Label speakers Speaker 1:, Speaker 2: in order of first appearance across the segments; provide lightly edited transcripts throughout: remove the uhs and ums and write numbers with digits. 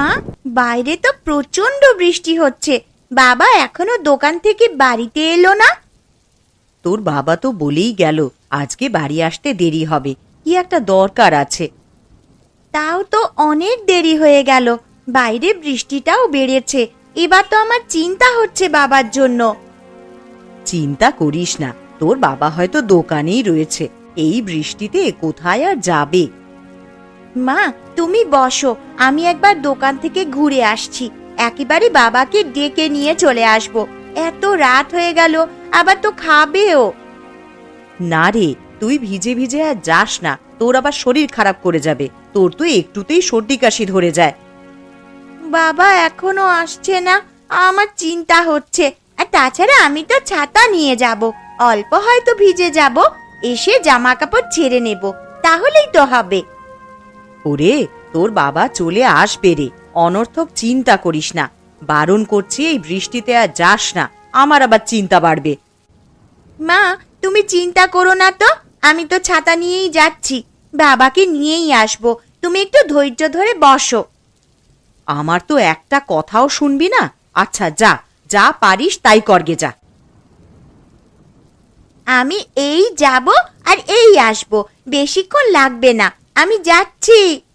Speaker 1: মা, বাইরে তো প্রচন্ড বৃষ্টি হচ্ছে। বাবা এখনো দোকান থেকে বাড়িতে এলো না।
Speaker 2: তোর বাবা তো বলেই গেল আজকে বাড়ি আসতে দেরি হবে, কি একটা দরকার আছে।
Speaker 1: তাও তো অনেক দেরি হয়ে গেল, বাইরে বৃষ্টিটাও বেড়েছে। এবার তো আমার চিন্তা হচ্ছে বাবার জন্য।
Speaker 2: চিন্তা করিস না, তোর বাবা হয়তো দোকানেই রয়েছে, এই বৃষ্টিতে কোথায় আর যাবে।
Speaker 1: মা তুমি বসো, আমি একবার দোকান থেকে ঘুরে আসছি, একেবারে বাবাকে ডেকে নিয়ে চলে আসব। এত রাত হয়ে গেল, আবার তো খাবেও।
Speaker 2: না রে, তুই ভিজে ভিজে আর যাস না, তোর আবার শরীর খারাপ করে যাবে। তোর তো একটুতেই সর্দি কাশি ধরে যায়।
Speaker 1: বাবা এখনো আসছে না, আমার চিন্তা হচ্ছে। আর তাছাড়া আমি তো ছাতা নিয়ে যাব, অল্প হয়তো ভিজে যাব, এসে জামা কাপড় ছেড়ে নেব, তাহলেই তো হবে।
Speaker 2: ওরে, তোর বাবা চলে আসবে রে, অনর্থক চিন্তা করিস না। বারণ করছি, এই বৃষ্টিতে আর যাস না, আমার আবার চিন্তা বাড়বে।
Speaker 1: মা তুমি চিন্তা করো না তো, আমি তো ছাতা নিয়েই যাচ্ছি, বাবাকে নিয়েই আসবো। তুমি একটু ধৈর্য ধরে বসো।
Speaker 2: আমার তো একটা কথাও শুনবি না। আচ্ছা যা, যা পারিস তাই করগে যা।
Speaker 1: আমি এই যাব আর এই আসবো, বেশিক্ষণ লাগবে না, আমি যাচ্ছি।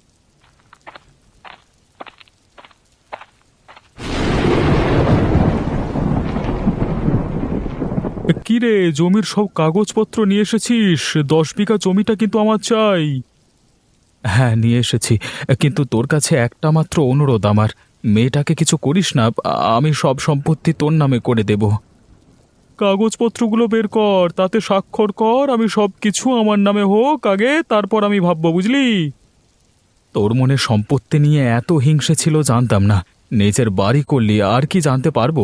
Speaker 3: কি রে, জমির সব কাগজপত্র নিয়ে এসেছিস? 10 বিঘা জমিটা কিন্তু আমার চাই। হ্যাঁ নিয়ে এসেছি, কিন্তু তোর কাছে একটা মাত্র অনুরোধ আমার, মেয়েটাকে কিছু করিস না, আমি সব সম্পত্তি তোর নামে করে দেব। কাগজপত্রগুলো বের কর, তাতে স্বাক্ষর কর, আমি সব কিছু আমার নামে হোক আগে, তারপর আমি ভাববো, বুঝলি? তোর মনে সম্পত্তি নিয়ে এত হিংসে ছিল জানতাম না, নিজের বাড়ি করলি আর কি জানতে পারবো।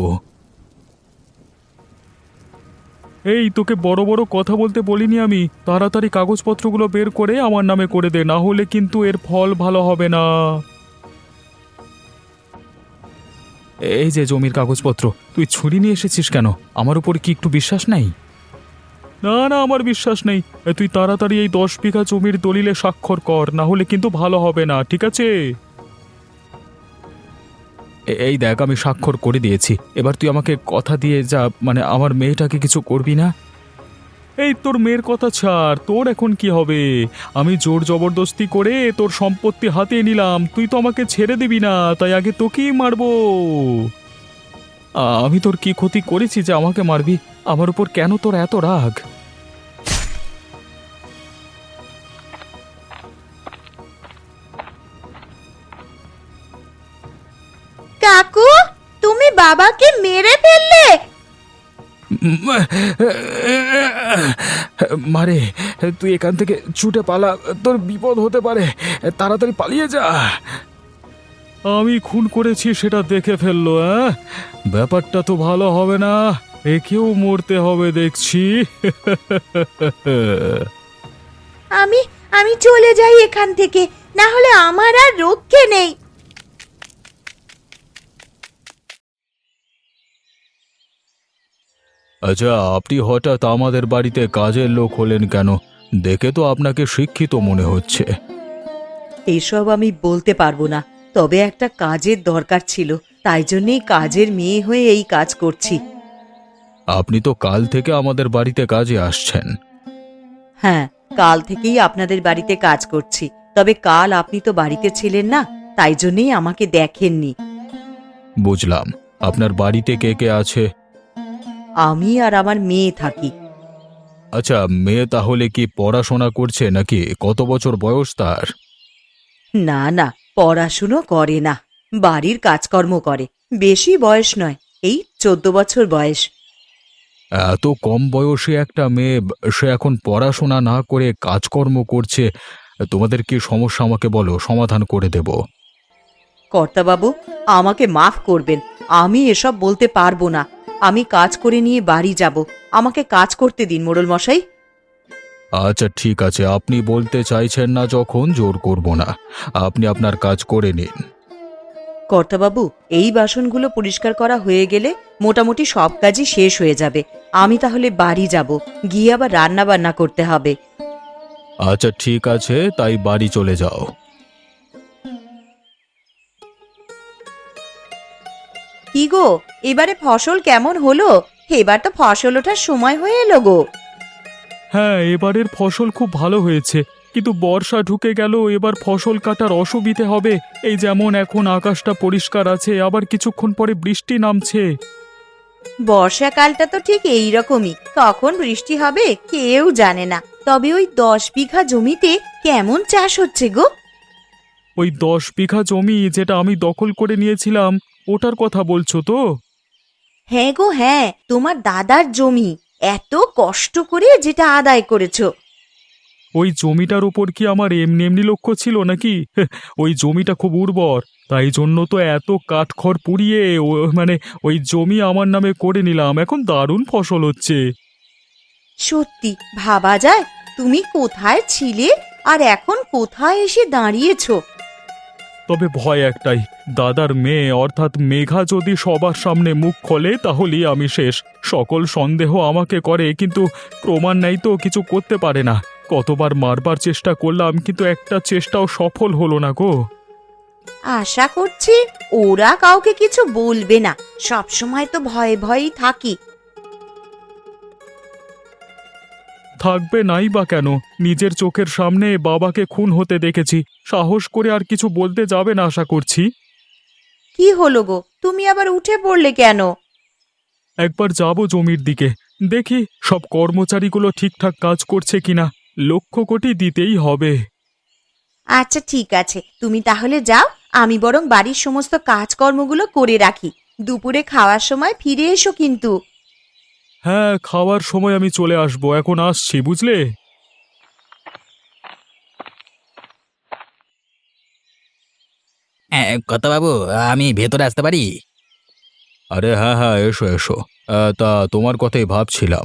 Speaker 3: এই তোকে বড় বড় কথা বলতে বলিনি আমি, তাড়াতাড়ি কাগজপত্রগুলো বের করে আমার নামে করে দে, না হলে কিন্তু এর ফল ভালো হবে না। এই যে জমির কাগজপত্র, তুই ছুরি নিয়ে এসেছিস কেন? আমার উপর কি একটু বিশ্বাস নাই? না না, আমার বিশ্বাস নেই। তুই তাড়াতাড়ি এই 10 বিঘা জমির দলিলে স্বাক্ষর কর, না হলে কিন্তু ভালো হবে না, ঠিক আছে? এই দেখ, আমি স্বাক্ষর করে দিয়েছি, এবার তুই আমাকে কথা দিয়ে যা, মানে আমার মেয়েটাকে কিছু করবি না। এই তোর মেয়ের কথা ছাড়, তোর এখন কি হবে? আমি জোর জবরদস্তি করে তোর সম্পত্তি হাতিয়ে নিলাম, তুই তো আমাকে ছেড়ে দিবি না, তাই আগে তোকেই মারবো। আমি তোর কি ক্ষতি করেছি যে আমাকে মারবি? আমার উপর কেন তোর এত রাগ?
Speaker 1: কাকু, তুমি বাবাকে মেরে ফেললে?
Speaker 3: মারে, তুই এখান থেকে ছুটে পালা, তোর বিপদ হতে পারে, তাড়াতাড়ি পালিয়ে যা। আমি খুন করেছি সেটা দেখে ফেললো, ব্যাপারটা তো ভালো হবে না, একেও মরতে হবে দেখছি।
Speaker 1: আমি আমি চলে যাই এখান থেকে, না হলে আমার আর রক্ষে নেই।
Speaker 3: আচ্ছা, আপনি হঠাৎ আমাদের বাড়িতে কাজের লোক হলেন কেন? দেখে তো আপনাকে শিক্ষিত মনে হচ্ছে।
Speaker 2: এইসব আমি বলতে পারবো না, তবে একটা কাজের দরকার ছিল, তাই জন্যই কাজের মেয়ে হয়ে এই কাজ করছি।
Speaker 3: আপনি তো কাল থেকে আমাদের বাড়িতে কাজে আসছেন।
Speaker 2: হ্যাঁ, কাল থেকেই আপনাদের বাড়িতে কাজ করছি, তবে কাল আপনি তো বাড়িতে ছিলেন না, তাই জন্যই আমাকে দেখেননি।
Speaker 3: বুঝলাম। আপনার বাড়িতে কে কে আছে?
Speaker 2: আমি আর আমার মেয়ে থাকি।
Speaker 3: আচ্ছা, মেয়ে তাহলে কি পড়াশোনা করছে নাকি? কত বছর বয়স তার?
Speaker 2: না না, পড়াশুনো করে না, বাড়ির কাজকর্ম করে। বেশি বয়স নয়, এই 14 বছর বয়স।
Speaker 3: এত কম বয়সে একটা মেয়ে, সে এখন পড়াশোনা না করে কাজকর্ম করছে, তোমাদের কি সমস্যা আমাকে বলো, সমাধান করে দেব।
Speaker 2: কর্তাবাবু, আমাকে মাফ করবেন, আমি এসব বলতে পারবো না। আমি কাজ করে নিয়ে বাড়ি যাব, আমাকে কাজ করতে দিন মোড়ল মশাই।
Speaker 3: আচ্ছা ঠিক আছে, আপনি বলতে চাইছেন না যখন, জোর করব না, আপনি আপনার কাজ করে নিন।
Speaker 2: কর্তাবাবু, এই বাসনগুলো পরিষ্কার করা হয়ে গেলে মোটামুটি সব কাজই শেষ হয়ে যাবে। আমি তাহলে বাড়ি যাব, গিয়ে আবার রান্না বান্না করতে হবে।
Speaker 3: আচ্ছা ঠিক আছে, তাই বাড়ি চলে যাও।
Speaker 2: কি গো, এবারে ফসল কেমন হলো? এবার তো ফসল ওঠার সময় হয়ে এলো গো।
Speaker 3: হ্যাঁ, এবারের ফসল খুব ভালো হয়েছে, কিন্তু বর্ষা ঢুকে গেল, এবার ফসল কাটার অসুবিধে হবে। এই যেমন এখন আকাশটা পরিষ্কার আছে, আবার কিছুক্ষণ পরে বৃষ্টি নামছে।
Speaker 2: বর্ষাকালটা তো ঠিক এই রকমই, কখন বৃষ্টি হবে কেউ জানে না। তবে ওই 10 বিঘা জমিতে কেমন চাষ হচ্ছে গো?
Speaker 3: ওই 10 বিঘা জমি যেটা আমি দখল করে নিয়েছিলাম, ওটার কথা বলছো তো?
Speaker 2: হ্যাঁ গো হ্যাঁ, তোমার দাদার জমি, এত কষ্ট করে যেটা আদায় করেছো।
Speaker 3: ওই জমিটার উপর কি আমার এমনি এমনি লক্ষ্য ছিল নাকি? ওই জমিটা খুব উর্বর, তাই জন্য তো এত কাঠখড় পুড়িয়ে ওই জমি আমার নামে করে নিলাম। এখন দারুণ ফসল হচ্ছে।
Speaker 2: সত্যি ভাবা যায়, তুমি কোথায় ছিলে আর এখন কোথায় এসে দাঁড়িয়েছো।
Speaker 3: তবে ভয় একটাই, দাদার মেয়ে অর্থাৎ মেঘা যদি সবার সামনে মুখ খোলে তাহলেই আমি শেষ। সকল সন্দেহ আমাকে করে, কিন্তু প্রমাণ নেই তো কিছু করতে পারে না। কতবার মারবার চেষ্টা করলাম, কিন্তু একটা চেষ্টাও সফল হলো না গো।
Speaker 2: আশা করছি ওরা কাউকে কিছু বলবে না, সব সময় তো ভয়ে ভয়েই থাকি।
Speaker 3: থাকবে নাই বা কেন, নিজের চোখের সামনে বাবাকে খুন হতে দেখেছি, সাহস করে আর কিছু বলতে যাবে না আশা করছি।
Speaker 2: কি হলো গো, তুমি আবার উঠে পড়লে কেন?
Speaker 3: একবার যাব জমির দিকে, দেখি সব কর্মচারীগুলো ঠিকঠাক কাজ করছে কিনা। লক্ষ কোটি দিতেই হবে।
Speaker 2: আচ্ছা ঠিক আছে, তুমি তাহলে যাও, আমি বরং বাড়ির সমস্ত কাজকর্মগুলো করে রাখি। দুপুরে খাওয়ার সময় ফিরে এসো কিন্তু।
Speaker 3: হ্যাঁ, খাওয়ার সময় আমি চলে আসবো, এখন আসছি বুঝলে।
Speaker 4: হ্যাঁ, বাবু, আমি ভেতরে আসতে পারি?
Speaker 3: আরে হ্যাঁ হ্যাঁ, এসো এসো। তা তোমার কথাই ভাবছিলাম।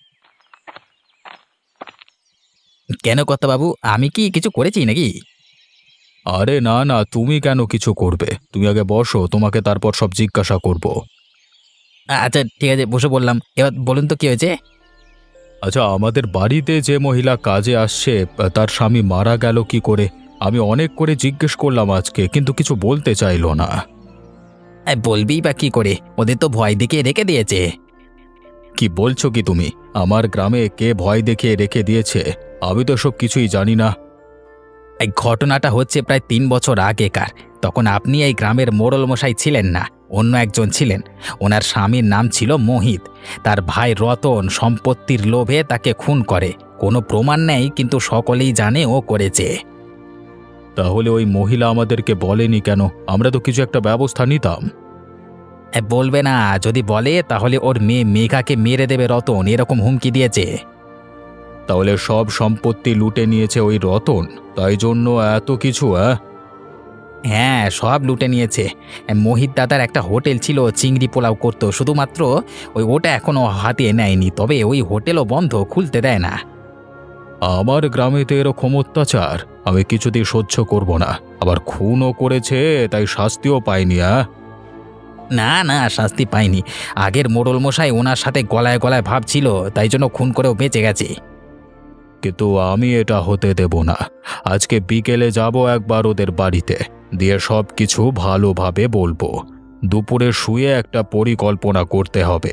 Speaker 4: কেন বাবু, আমি কি কিছু করেছি নাকি?
Speaker 3: আরে না না, তুমি কেন কিছু করবে? তুমি আগে বসো, তোমাকে তারপর সব জিজ্ঞাসা করব।
Speaker 4: আচ্ছা ঠিক আছে, বসে বললাম। এবার বলুন তো কি হয়েছে?
Speaker 3: আচ্ছা, আমাদের বাড়িতে যে মহিলা কাজে আসছে, তার স্বামী মারা গেল কি করে? আমি অনেক করে জিজ্ঞেস করলাম আজকে, কিন্তু কিছু বলতে চাইলো না।
Speaker 4: বলবি বা কি করে, ওদের তো ভয় দেখিয়ে রেখে দিয়েছে।
Speaker 3: কি বলছো কি তুমি? আমার গ্রামে কে ভয় দেখিয়ে রেখে দিয়েছে? আমি তো সব কিছুই জানি না।
Speaker 4: এই ঘটনাটা হচ্ছে প্রায় 3 বছর আগেকার। তখন আপনি এই গ্রামের মোড়ল মশাই ছিলেন না, অন্য একজন ছিলেন। ওনার স্বামীর নাম ছিল মোহিত। তার ভাই রতন সম্পত্তির লোভে তাকে খুন করে। কোনো প্রমাণ নেই, কিন্তু সকলেই জানে ও করেছে।
Speaker 3: তাহলে ওই মহিলা আমাদেরকে বলেনি কেন? আমরা তো কিছু একটা ব্যবস্থা নিতাম।
Speaker 4: বলবে না, যদি বলে তাহলে ওর মেয়ে মেঘাকে মেরে দেবে রতন, এরকম হুমকি দিয়েছে।
Speaker 3: তাহলে সব সম্পত্তি লুটে নিয়েছে ওই রতন, তাই জন্য এত কিছু?
Speaker 4: হ্যাঁ, সব লুটে নিয়েছে। মোহিত দাদার একটা হোটেল ছিল, চিংড়ি পোলাও করতো, শুধুমাত্র ওটা এখনো হাতিয়ে নেয়নি। তবে ওই হোটেলও বন্ধ, খুলতে দেয় না।
Speaker 3: আমার গ্রামে তো এরকম অত্যাচার আমি কিছুতেই সহ্য করব না। আবার খুনও করেছে, তাই শাস্তিও পায়নি।
Speaker 4: না না, শাস্তি পায়নি। আগের মোড়ল মশাই ওনার সাথে গলায় গলায় ভাবছিল, তাই জন্য খুন করেও বেঁচে গেছে।
Speaker 3: কিন্তু আমি এটা হতে দেব না। আজকে বিকেলে যাব একবার ওদের বাড়িতে, দিয়ে সব কিছু ভালোভাবে বলবো। দুপুরে শুয়ে একটা পরিকল্পনা করতে হবে।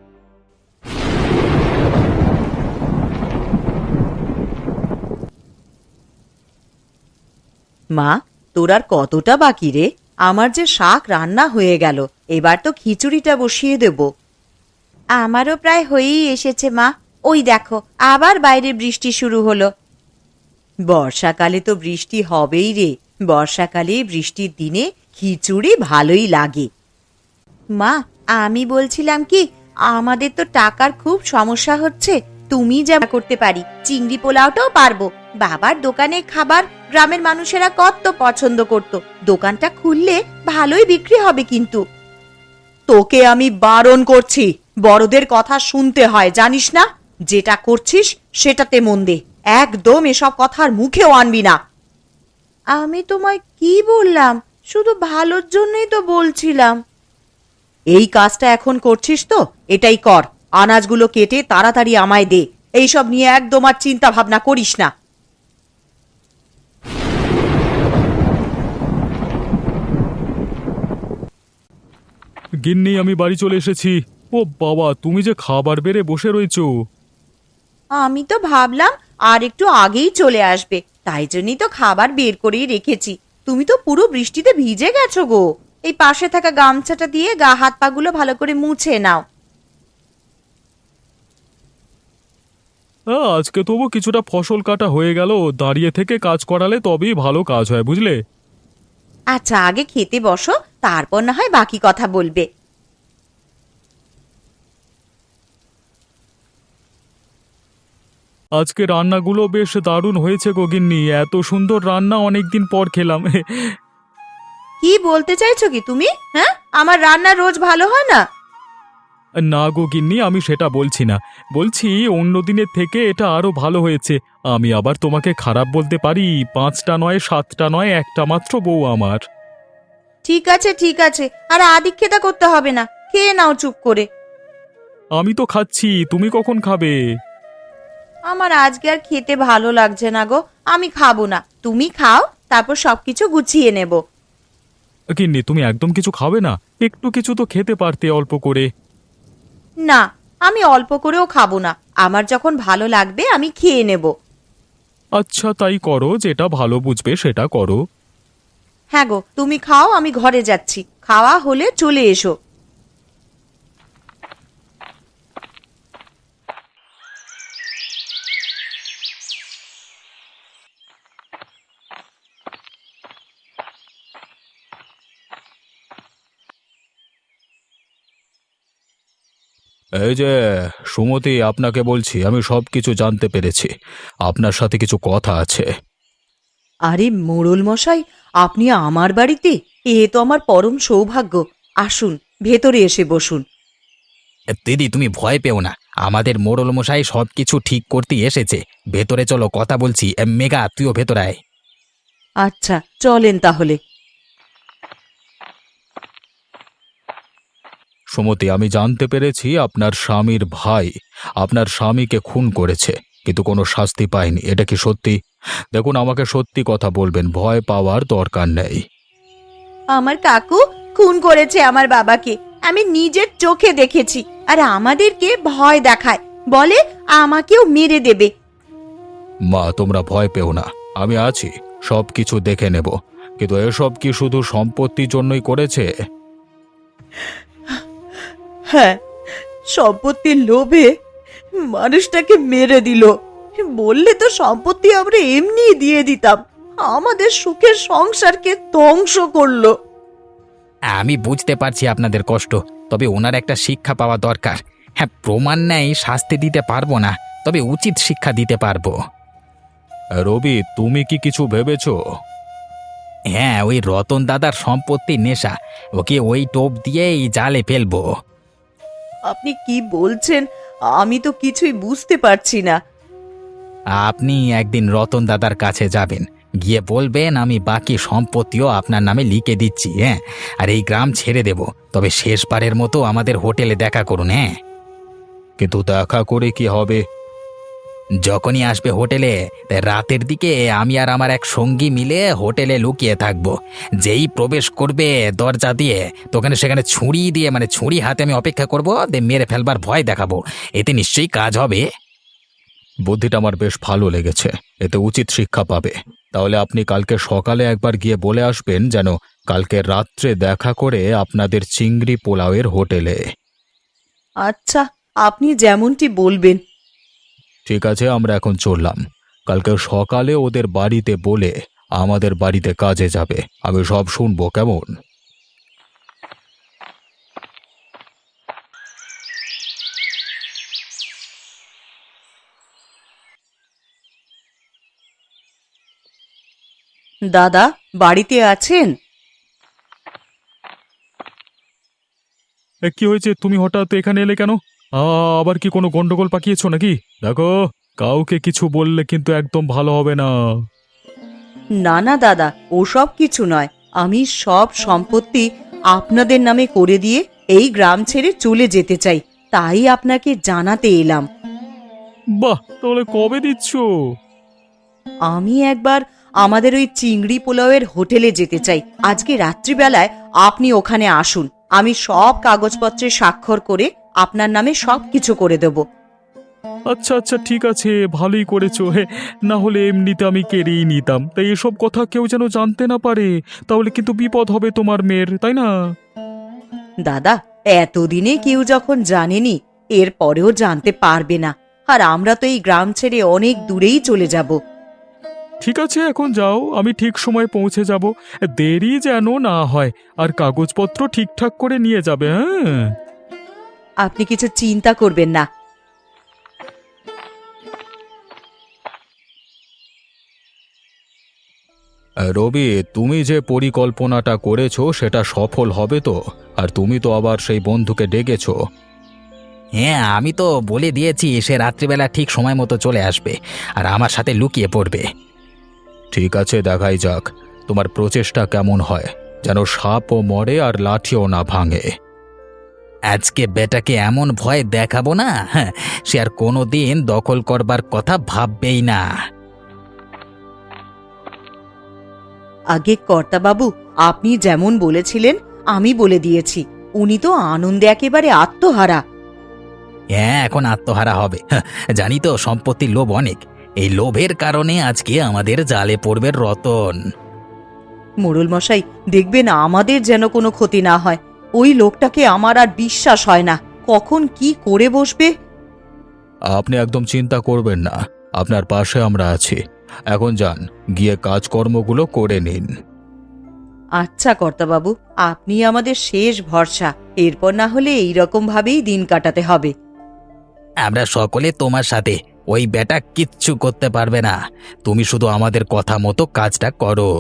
Speaker 2: মা, তোর আর কতটা বাকি রে? আমার যে শাক রান্না হয়ে গেল, এবার তো খিচুড়িটা বসিয়ে দেব। আমারও প্রায় হয়েই এসেছে মা। ওই দেখো, আবার বাইরে বৃষ্টি শুরু হলো। বর্ষাকালে তো বৃষ্টি হবেই রে। বর্ষাকালে বৃষ্টির দিনে খিচুড়ি ভালোই লাগে। মা, আমি বলছিলাম কি, আমাদের তো টাকার খুব সমস্যা হচ্ছে। তুমি যা করতে পারি, চিংড়ি পোলাওটাও পারবো। বাবার দোকানে খাবার গ্রামের মানুষেরা কত পছন্দ করত। দোকানটা খুললে ভালোই বিক্রি হবে কিন্তু। তোকে আমি বারণ করছি, বড়দের কথা শুনতে হয় জানিস না? যেটা করছিস সেটাতে মন দে, একদম এসব কথার মুখেও আনবি না। আমি তোমায় কি বললাম? শুধু ভালোর জন্যই তো বলছিলাম। এই কাজটা এখন করছিস তো, এটাই কর। আনাজগুলো কেটে তাড়াতাড়ি আমায় দে। এইসব নিয়ে একদম আর চিন্তা ভাবনা করিস না।
Speaker 3: গিন্নি, আমি বাড়ি চলে এসেছি। ও বাবা, তুমি যে খাবার বেড়ে বসে রয়েছো।
Speaker 1: আমি তো ভাবলাম আর একটু আগেই চলে আসবে, তাই জন্যই তো খাবার বের করেই রেখেছি। তুমি তো পুরো বৃষ্টিতে ভিজে গেছো গো। এই পাশে থাকা গামছাটা দিয়ে গা হাত পাগুলো ভালো করে মুছে নাও।
Speaker 3: আজকে তবু কিছুটা ফসল কাটা হয়ে গেল। দাঁড়িয়ে থেকে কাজ করালে তবেই ভালো কাজ হয়, বুঝলে?
Speaker 1: আচ্ছা, আগে খেতে বসো, তারপর না হয় বাকি কথা বলবে।
Speaker 3: আজকে রান্নাগুলো বেশ দারুণ হয়েছে গো গিন্নি। এত সুন্দর রান্না অনেকদিন পর খেলাম।
Speaker 1: কি বলতে চাইছো কি তুমি? হ্যাঁ, আমার রান্না রোজ ভালো হয় না?
Speaker 3: না গো গিন্নি, আমি সেটা বলছি না। বলছি অন্য দিনের থেকে এটা আরো ভালো হয়েছে। আমি আবার তোমাকে খারাপ বলতে পারি? 5টা নয়, 7টা নয়, একটা মাত্র বউ আমার।
Speaker 1: ঠিক আছে ঠিক আছে, আর আদিক্ষেতা করতে হবে না, খেয়ে নাও চুপ করে।
Speaker 3: আমি তো খাচ্ছি, তুমি কখন খাবে?
Speaker 1: আমার আজকে আর খেতে ভালো লাগছে না গো, আমি খাবো না। তুমি খাও, তারপর সবকিছু গুছিয়ে নেব।
Speaker 3: গিন্নি, তুমি একদম কিছু খাবে না? একটু কিছু তো খেতে পারতে অল্প করে।
Speaker 1: না, আমি অল্প করেও খাবো না। আমার যখন ভালো লাগবে আমি খেয়ে নেব।
Speaker 3: আচ্ছা, তাই করো, যেটা ভালো বুঝবে সেটা করো।
Speaker 1: হ্যাঁ গো, তুমি খাও, আমি ঘরে যাচ্ছি। খাওয়া হলে চলে এসো।
Speaker 3: এই যে সুমতি, আপনাকে বলছি, আমি সব কিছু জানতে পেরেছি। আপনার সাথে কিছু কথা আছে।
Speaker 2: আরে মোড়ল মশাই, আপনি আমার বাড়িতে? এ তো আমার পরম সৌভাগ্য। আসুন, ভেতরে এসে বসুন।
Speaker 4: দিদি, তুমি ভয় পেও না, আমাদের মোড়ল মশাই সব কিছু ঠিক করতে এসেছে। ভেতরে চলো, কথা বলছি। মেঘা, তুইও ভেতরে আয়।
Speaker 2: আচ্ছা, চলেন তাহলে।
Speaker 3: সুমতি, আমি জানতে পেরেছি আপনার স্বামীর ভাই আপনার স্বামীকে খুন করেছে, কিন্তু কোনো শাস্তি পায়নি। এটা কি সত্যি? দেখুন, আমাকে সত্যি কথা বলবেন, ভয় পাওয়ার দরকার নেই।
Speaker 1: আমার কাকু খুন করেছে আমার বাবাকে, আমি নিজের চোখে দেখেছি। আর আমাদেরকে ভয় দেখায়, বলে আমাকেও মেরে দেবে।
Speaker 3: মা, তোমরা ভয় পেও না, আমি আছি, সব কিছু দেখে নেব। কিন্তু এসব কি শুধু সম্পত্তির জন্যই করেছে?
Speaker 2: হ্যাঁ, সম্পত্তির লোভে মানুষটাকে মেরে দিল। বললে তো সম্পত্তি আমরা এমনি দিয়ে দিতাম। আমাদের সুখের সংসারকে ধ্বংস করলো।
Speaker 4: আমি বুঝতে পারছি আপনাদের কষ্ট, তবে ওনার একটা শিক্ষা পাওয়া দরকার। হ্যাঁ, প্রমাণ নেই, শাস্তি দিতে পারবো না, তবে উচিত শিক্ষা দিতে পারবো।
Speaker 3: রবি, তুমি কি কিছু ভেবেছো?
Speaker 4: হ্যাঁ, ওই রতন দাদার সম্পত্তির নেশা, ওকে ওই টোপ দিয়েই জালে ফেলবো।
Speaker 2: আপনি কি বলছেন? আমি তো কিছুই বুঝতে পারছি না।
Speaker 4: আপনি একদিন রতন দাদার কাছে যাবেন, গিয়ে বলবেন আমি বাকি সম্পত্তিও আপনার নামে লিখে দিচ্ছি। হ্যাঁ, আর এই গ্রাম ছেড়ে দেব, তবে শেষবারের মতো আমাদের হোটেলে দেখা করুন। হ্যাঁ,
Speaker 3: কিন্তু দেখা করে কি হবে?
Speaker 4: যখনই আসবে হোটেলে, তাই রাতের দিকে আমি আর আমার এক সঙ্গী মিলে হোটেলে লুকিয়ে থাকবো। যেই প্রবেশ করবে দরজা দিয়ে, তোখানে সেখানে ছুরি দিয়ে, মানে ছুরি হাতে আমি অপেক্ষা করবো, দিয়ে মেরে ফেলবার ভয় দেখাবো। এতে নিশ্চয়ই কাজ হবে।
Speaker 3: বুদ্ধিটা আমার বেশ ভালো লেগেছে, এতে উচিত শিক্ষা পাবে। তাহলে আপনি কালকে সকালে একবার গিয়ে বলে আসবেন যেন কালকে রাত্রে দেখা করে আপনাদের চিংড়ি পোলাওয়ের হোটেলে।
Speaker 2: আচ্ছা, আপনি যেমনটি বলবেন।
Speaker 3: ঠিক আছে, আমরা এখন চললাম। কালকে সকালে ওদের বাড়িতে বলে আমাদের বাড়িতে কাজে যাবে। আমি সব শুনবো, কেমন?
Speaker 2: দাদা, বাড়িতে আছেন?
Speaker 3: কি হয়েছে? তুমি হঠাৎ এখানে এলে কেন? আবার কি কোনো গন্ডগোল পাকিয়েছো নাকি? দেখো, কাউকে কিছু বললে কিন্তু একদম ভালো হবে না।
Speaker 2: না না দাদা, ওসব কিছু নয়। আমি সব সম্পত্তি আপনাদের নামে করে দিয়ে এই গ্রাম ছেড়ে চলে যেতে চাই, তাই আপনাকে জানাতে এলাম।
Speaker 3: বাহ, তাহলে কবে দিচ্ছ?
Speaker 2: আমি একবার আমাদের ওই চিংড়ি পোলাওয়ের হোটেলে যেতে চাই। আজকে রাত্রিবেলায় আপনি ওখানে আসুন, আমি সব কাগজপত্রে স্বাক্ষর করে আপনার নামে সবকিছু করে দেব।
Speaker 3: আচ্ছা আচ্ছা, ঠিক আছে, ভালোই করেছো। হে, না হলে এমনিতে আমি কেড়েই নিতাম। তাই এসব কথা কেউ যেন জানতে না পারে, তাহলে কিন্তু বিপদ হবে তোমার মেয়ের, তাই না?
Speaker 2: দাদা, এতদিনে কেউ যখন জানেনি, এর পরেও জানতে পারবে না। আর আমরা তো এই গ্রাম ছেড়ে অনেক দূরেই চলে যাব।
Speaker 3: ঠিক আছে, এখন যাও, আমি ঠিক সময় পৌঁছে যাব। দেরি যেন না হয়, আর কাগজপত্র ঠিকঠাক করে নিয়ে যাবে। হ্যাঁ,
Speaker 2: আপনি কিছু চিন্তা করবেন না।
Speaker 3: রবি, তুমি যে পরিকল্পনাটা করেছো সেটা সফল হবে তো? আর তুমি তো আবার সেই বন্ধুকে ডেকেছো।
Speaker 4: হ্যাঁ, আমি তো বলে দিয়েছি সে রাত্রিবেলা ঠিক সময় মতো চলে আসবে আর আমার সাথে লুকিয়ে পড়বে।
Speaker 3: ঠিক আছে, দেখাই যাক তোমার প্রচেষ্টা কেমন হয়, যেন সাপও মরে আর লাঠিও না ভাঙে।
Speaker 4: আজকে বেটাকে এমন ভয় দেখাবো না, হ্যাঁ, সে আর কোনোদিন দখল করবার কথা ভাববেই না।
Speaker 2: আগে কর্তাবাবু, আপনি যেমন বলেছিলেন আমি বলে দিয়েছি। উনি তো আনন্দে একেবারে আত্মহারা।
Speaker 4: হ্যাঁ, এখন আত্মহারা হবে। হ্যাঁ, জানি তো সম্পত্তির লোভ অনেক। এই লোভের কারণে আজকে আমাদের জালে পড়বে রতন।
Speaker 2: মোড়ল মশাই, দেখবেন আমাদের যেন কোনো ক্ষতি না হয়। ওই লোকটাকে আমার আর বিশ্বাস হয় না, কখন কি করে বসবে।
Speaker 3: আপনি একদম চিন্তা করবেন না, আপনার পাশে আমরা আছি। এখন যান, গিয়ে কাজকর্মগুলো করে নিন।
Speaker 2: আচ্ছা কর্তাবাবু, আপনি আমাদের শেষ ভরসা। এরপর না হলে এইরকম ভাবেই দিন কাটাতে হবে।
Speaker 4: আমরা সকলে তোমার সাথে। ওই বেটা কিচ্ছু করতে পারবে না। তুমি শুধু আমাদের কথা মতো কাজটা করো।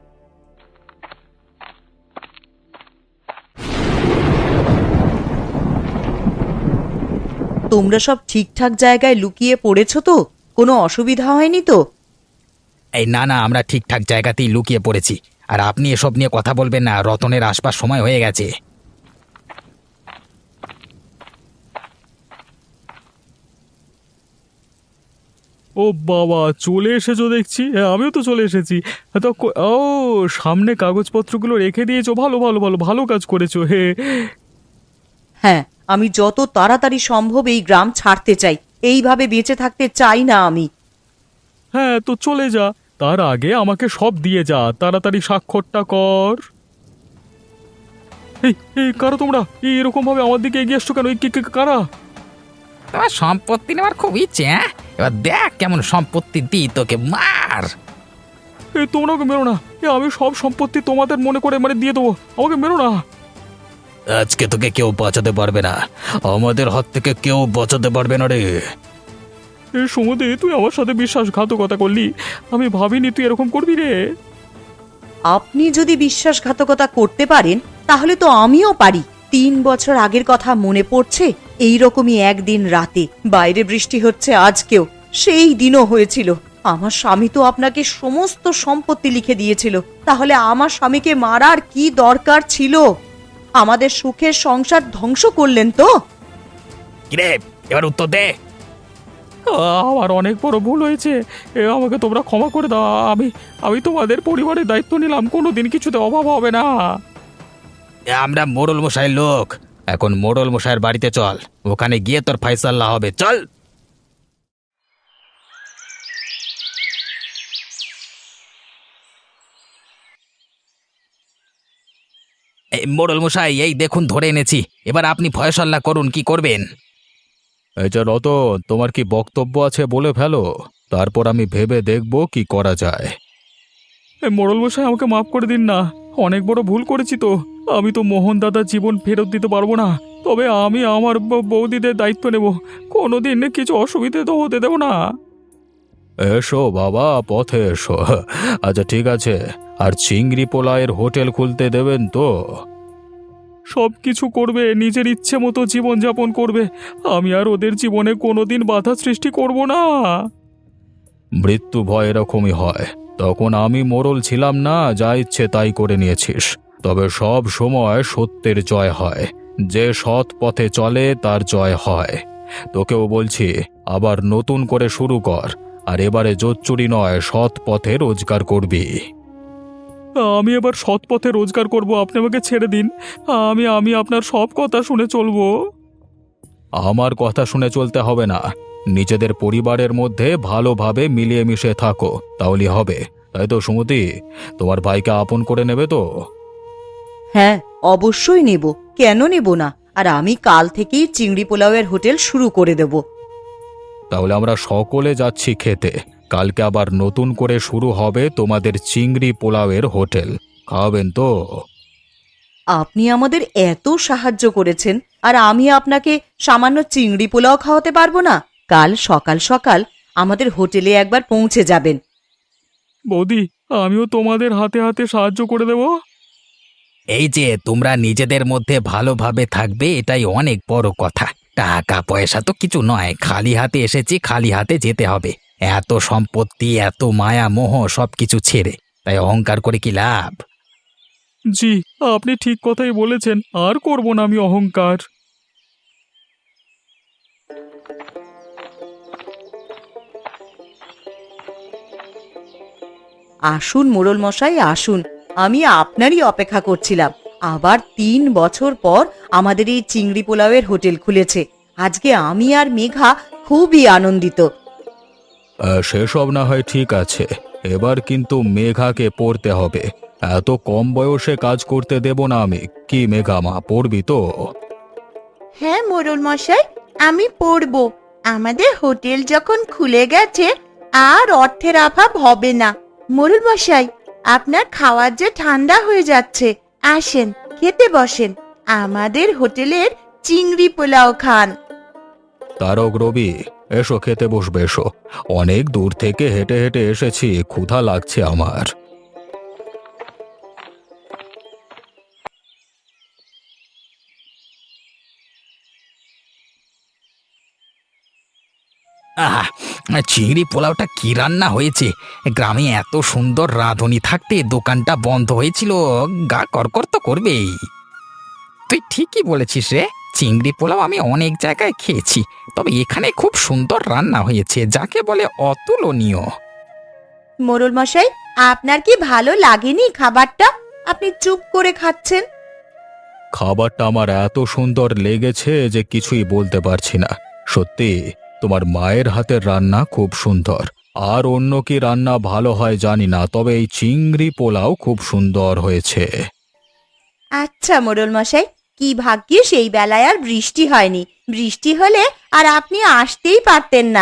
Speaker 2: তোমরা সব ঠিকঠাক জায়গায় লুকিয়ে পড়েছ তো? কোনো অসুবিধা হয়নি তো?
Speaker 4: এই না না, আমরা ঠিকঠাক জায়গাতেই লুকিয়ে পড়েছি। আর আপনি এসব নিয়ে কথা বলবেন না, রতনের আসবার সময় হয়ে গেছে।
Speaker 3: ও বাবা, চলে এসেছো দেখছি। হ্যাঁ, আমিও তো চলে এসেছি। তো ও, সামনে কাগজপত্রগুলো রেখে দিয়েছো, ভালো ভালো ভালো, ভালো কাজ করেছো। হে,
Speaker 2: হ্যাঁ, আমি যত তাড়াতাড়ি সম্ভব এই গ্রাম ছাড়তে চাই। এইভাবে বেঁচে থাকতে চাই না আমি।
Speaker 3: হ্যাঁ, তো চলে যা, তার আগে আমাকে সব দিয়ে যা। তাড়াতাড়ি স্বাক্ষরটা কর। এই এই কারা তোমরা? এরকম ভাবে আমার দিকে এগিয়ে আসছো কেন? কারা?
Speaker 4: তোমার সম্পত্তি নেওয়ার খুব ইচ্ছে, হ্যাঁ? এবার দেখ কেমন সম্পত্তি দিই তোকে, মার।
Speaker 3: তোমরা ওকে মেরো না। আমি সব সম্পত্তি তোমাদের মনে করে দিয়ে দেবো। আমাকে মেরো না।
Speaker 4: আজকে তোকে কেউ বাঁচাতে পারবে না, আমাদের হাত থেকে কেউ বাঁচাতে পারবে না রে।
Speaker 3: সমুদে, তুই আমার সাথে বিশ্বাসঘাতকতা করলি। আমি ভাবিনি তুই এরকম করবি রে।
Speaker 2: আপনি যদি বিশ্বাসঘাতকতা করতে পারেন, তাহলে তো আমিও পারি। 3 বছর আগের কথা মনে পড়ছে? এইরকমই একদিন রাতে বাইরে বৃষ্টি হচ্ছে আজকেও, সেই দিনও হয়েছিল। আমার স্বামী তো আপনাকে সমস্ত সম্পত্তি লিখে দিয়েছিল। তাহলে আমার স্বামীকে মারার কি দরকার ছিল? আমাদের সুখের সংসার ধ্বংস করলেন তো।
Speaker 4: কিরে, এবার উত্তর দে।
Speaker 3: আমার অনেক বড় ভুল হয়েছে। আমাকে তোমরা ক্ষমা করে দাও। আমি তোমাদের পরিবারের দায়িত্ব নিলাম, কোনোদিন কিছুতে অভাব হবে না।
Speaker 4: আমরা মোড়ল মশাইয়ের লোক। এখন মোড়ল মশাইয়ের বাড়িতে চল, ওখানে গিয়ে তোর ফাইসাল্লা হবে। চল। এই মোড়ল মশাই, এই দেখুন ধরে এনেছি। এবার আপনি ফয়সাল্লা করুন, কি করবেন?
Speaker 3: এই যে রতন, তোমার কি বক্তব্য আছে বলে ফেলো, তারপর আমি ভেবে দেখব কি করা যায়। মোড়ল মশাই, আমাকে মাফ করে দিন না, অনেক বড় ভুল করেছি তো। আমি তো মোহন দাদার জীবন ফেরত দিতে পারবো না, তবে আমি আমার বৌদিদের দায়িত্ব নেব। কোনোদিন কিছু অসুবিধে তো হতে দেব না। এসো বাবা, পথে এসো। আচ্ছা ঠিক আছে, আর চিংড়ি পোলায়ের হোটেল খুলতে দেবেন তো? সব কিছু করবে, নিজের ইচ্ছে মতো জীবনযাপন করবে। আমি আর ওদের জীবনে কোনোদিন বাধা সৃষ্টি করব না। মৃত্যু ভয় এরকমই হয়। তখন আমি মোড়ল ছিলাম না, যা ইচ্ছে তাই করে নিয়েছিস। তবে সব সময় সত্যের জয় হয়। যে সৎ পথে চলে তার জয় হয়। তোকেও বলছি, আবার নতুন করে শুরু কর। আর এবারে জোচ্চুরি নয়, সৎ পথে রোজগার করবি। আমি এবার সৎ পথে রোজগার করব, আপনি আমাকে ছেড়ে দিন। আমি আপনার সব কথা শুনে চলবো। আমার কথা শুনে চলতে হবে না, নিজেদের পরিবারের মধ্যে ভালোভাবে মিলিয়ে মিশে থাকো, তাহলে হবে। তাই তো সুমতি, তোমার ভাইকে আপন করে নেবে তো?
Speaker 2: হ্যাঁ, অবশ্যই নেব, কেন নেব না। আর আমি কাল থেকেই চিংড়ি পোলাওয়ের হোটেল শুরু করে দেব।
Speaker 3: তাহলে আমরা সকলে যাচ্ছি খেতে। কালকে আবার নতুন করে শুরু হবে তোমাদের চিংড়ি পোলাওয়ের হোটেল। খাওয়াবেন তো?
Speaker 2: আপনি আমাদের এত সাহায্য করেছেন, আর আমি আপনাকে সামান্য চিংড়ি পোলাও খাওয়াতে পারবো না? কাল সকাল সকাল আমাদের হোটেলে একবার পৌঁছে যাবেন।
Speaker 3: বৌদি, আমিও তোমাদের হাতে হাতে সাহায্য করে দেব।
Speaker 4: এই যে তোমরা নিজেদের মধ্যে ভালোভাবে থাকবে, এটাই অনেক বড় কথা। টাকা পয়সা তো কিছু নয়, খালি হাতে এসেছি, খালি হাতে যেতে হবে। এত সম্পত্তি, এত মায়া মোহ সবকিছু ছেড়ে, তাই অহংকার করে কি লাভ?
Speaker 3: জি, আপনি ঠিক কথাই বলেছেন, আর করব না আমি অহংকার।
Speaker 2: আসুন মোড়ল মশাই, আসুন। আমি আপনারই অপেক্ষা করছিলাম। আবার 3 বছর পর আমাদের এই চিংড়ি পোলাওয়ের হোটেল খুলেছে। আজকে আমি আর মেঘা খুবই আনন্দিত।
Speaker 3: সেসব না হয় ঠিক আছে, এবার কিন্তু মেঘাকে পড়তে হবে। এত কম বয়সে কাজ করতে দেব না আমি। কি মেঘা মা, পড়বি তো?
Speaker 1: হ্যাঁ মোড়ল মশাই, আমি পড়বো। আমাদের হোটেল যখন খুলে গেছে, আর অর্থের অভাব হবে না। মোড়ল মশাই, আপনার খাওয়ার যে ঠান্ডা হয়ে যাচ্ছে, আসেন খেতে বসেন। আমাদের হোটেলের চিংড়ি পোলাও খান।
Speaker 3: তারক, রবি, এসো খেতে বসবে, এসো। অনেক দূর থেকে হেঁটে হেঁটে এসেছি, ক্ষুধা লাগছে আমার।
Speaker 4: আহা, চিংড়ি পোলাওটা কি রান্না হয়েছে! গ্রামে এত সুন্দর রাঁধুনি থাকতে দোকানটা বন্ধ হয়েছিল, গা করকর তো করবেই। তুই ঠিকই বলেছিস রে, চিংড়ি পোলাও আমি অনেক জায়গায় খেয়েছি, তবে এখানে খুব সুন্দর রান্না হয়েছে, যাকে বলে অতুলনীয়।
Speaker 1: মোড়ল মশাই, আপনার কি ভালো লাগেনি খাবারটা? আপনি চুপ করে খাচ্ছেন।
Speaker 3: খাবারটা আমার এত সুন্দর লেগেছে যে কিছুই বলতে পারছি না। সত্যি, তোমার মায়ের হাতের রান্না খুব সুন্দর। আর অন্য কি রান্না ভালো হয় জানি না, তবে এই চিংড়ি পোলাও খুব সুন্দর হয়েছে।
Speaker 1: আচ্ছা মোড়ল মশাই, কি ভাগ্যে সেই বেলায় আর বৃষ্টি হয়নি। বৃষ্টি হলে আর আপনি আসতেই পারতেন না।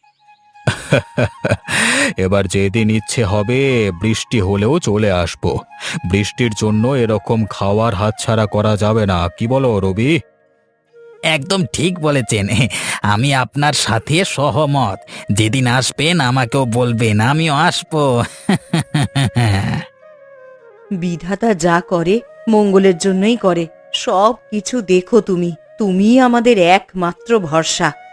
Speaker 3: এবার যেদিন ইচ্ছে হবে বৃষ্টি হলেও চলে আসব। বৃষ্টির জন্য এরকম খাওয়ার হাতছাড়া করা যাবে না, কি বলো রবি?
Speaker 4: একদম ঠিক বলেছেন, আমি আপনার সাথে সহমত। যেদিন আসবেন আমাকেও বলবেন, আমিও আসবো।
Speaker 2: বিধাতা যা করে মঙ্গলের জন্যই করে। সব কিছু দেখো তুমি, তুমিই আমাদের একমাত্র ভরসা।